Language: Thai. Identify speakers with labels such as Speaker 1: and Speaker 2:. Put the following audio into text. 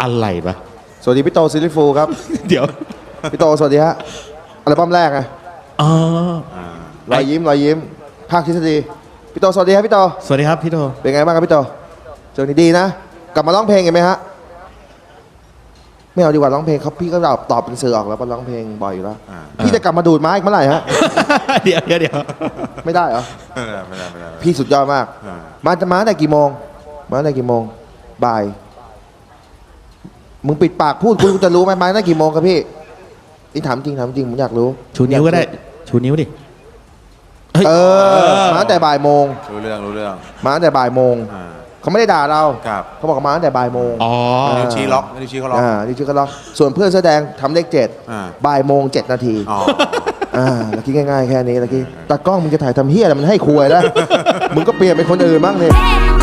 Speaker 1: อะไรปะ
Speaker 2: สวัสดีพี่โตซิลิฟูครับ
Speaker 1: เดี๋ยว
Speaker 2: พี่โตสวัสดีฮะอัลบั้มแรกไง
Speaker 1: อ๋อ
Speaker 2: รอยยิ้มภาคทฤษฎีพี่โตสวัสดีครับพี่โต
Speaker 1: สวัสดีครับพี่โท
Speaker 2: เป็นไงบ้างครับพี่โตเจอนี่ดีนะ กลับมาร้องเพลงกันไหมฮะไม่เอาดีกว่าร้องเพลงเขาพี่ก็ตอบเป็นสื่อออกแล้วก็ร้องเพลงบ่อยอยู่แล้วพี่จะกลับมาดูดไม้อีกเมื่อไหร่ฮะ
Speaker 1: เดี๋ยว
Speaker 2: ไม่ได้เหรอ
Speaker 3: ไม่ได้
Speaker 2: พี่สุดยอดมาก มาจะมาตั้งแต่กี่โมงมาตั้งแต่กี่โมงบ่ายมึงปิดปากพูดคุณจะรู้ไหมมาตั้งแต่กี่โมงครับพี่นี่ถามจริงผมอยากรู้
Speaker 1: ชูนิ้วก็ได้ ชูนิ้วดิเฮ้ย
Speaker 2: มาตั้งแต่บ่ายโมง
Speaker 3: รู้เรื่อง
Speaker 2: มาตั้งแต่บ่ายโมง
Speaker 3: อ่า
Speaker 2: เขาไม่ได้ด่าเรา
Speaker 3: ครับ
Speaker 2: เขาบอกว่ามาตั้งแต่บ่ายโมง
Speaker 1: อ๋อ
Speaker 3: นิ้วชี้ล็อกนิ้วชี้เขาล็อก
Speaker 2: นี่ชื่อก็ล็อกส่วนเพื่อนแสอแดงทำเลข7
Speaker 3: อ่า
Speaker 2: บ่ายโมง7 นาที
Speaker 3: อ๋อ
Speaker 2: แล้วคิดง่ายๆแค่นี้แล้วคิดตากล้องมึงจะถ่ายทำเฮียอะไรมันให้คุยแล้ว มึงก็เปลี่ยนเป็นคนอื่นบ้างเลย
Speaker 4: Hey,